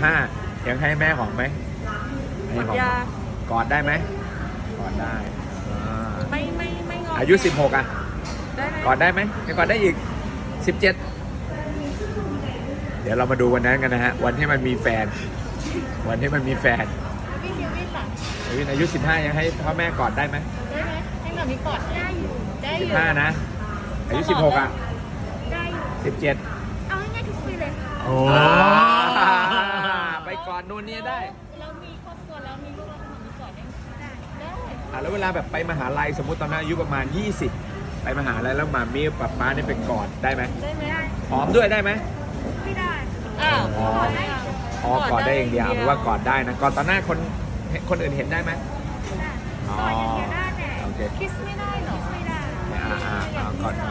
15ยังให้แม่หอมไหมให้หอมกอดได้ไหมกอดได้ไม่งออายุ16อ่ะได้ไหมกอดได้ไหมยังกอดได้อีก17เดี๋ยวเรามาดูวันนั้นกันนะฮะวันที่มันมีแฟนวันที่มันมีแฟนพี่คิววินล่ะวินอายุ15ยังให้พ่อแม่กอดได้ไหมได้ไหมให้แบบนี้กอดได้อยู่ 15นะอายุ16อ่ะได้อยู่ 17 เอาง่ายๆทุกปีเลยโอ้ไปกอดนู่นนี่ได้แล้วมีครอบครัวแล้วมีลูกแล้วทำแบบนี้กอดได้ได้แล้วเวลาแบบไปมหาลัยสมมุติตอนนั้นอายุประมาณ20ไปมหาลัยแล้วมามีป๊าป๊าเนี่ยไปกอดได้ไหมได้ไหมได้หอมด้วยได้ไหมไม่ได้อ้าวกอดได้อ๋อกอดได้อย่างเดียวหรือว่ากอดได้นะกอดต่อหน้าคนอื่นเห็นได้ไหมอ๋อกอดอย่างเดียวได้แต่โอเคคิสไม่ได้หรอไม่ได้กอด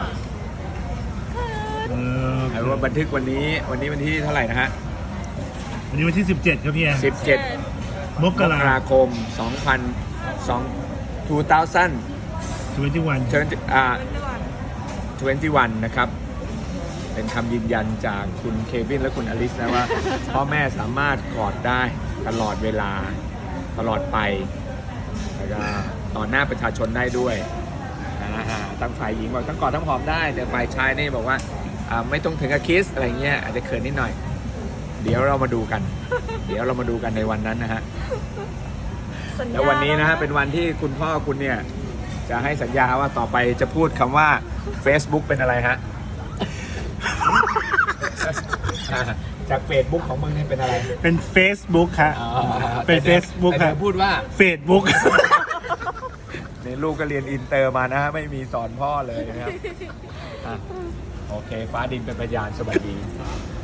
ไอ้ว่าบันทึกวันนี้วันที่เท่าไหร่นะฮะวันนี้วันที่17ครับพี่แอน 17 มมกกราราคม2000 21นะครับเป็นคำยืนยันจากคุณเควินและคุณอลิสนะว่าพ่อแม่สามารถกอดได้ตลอดเวลาตลอดไปแล้วก็ต่อหน้าประชาชนได้ด้วยตั้งฝ่ายหญิงบอกทั้งกอดทั้งหอมได้แต่ฝ่ายชายนี่บอกว่าไม่ต้องถึงกับคิสอะไรเงี้ยอาจจะเขินนิดหน่อยเดี๋ยวเรามาดูกัน ในวันนั้นนะฮะแล้ววันนี้นะฮะเป็นวันที่คุณพ่อคุณเนี่ยจะให้สัญญาว่าต่อไปจะพูดคำว่า Facebook เป็นอะไรฮะ จาก Facebook ของมึงเนี่ยเป็นอะไรเป็น Facebook ครับเป็น Facebook ครับพูดว่า Facebook ในลูกก็เรียนอินเตอร์มานะฮะไม่มีสอนพ่อเลยนะครับโอเคฟ้าดินเป็นพยานสวัสดี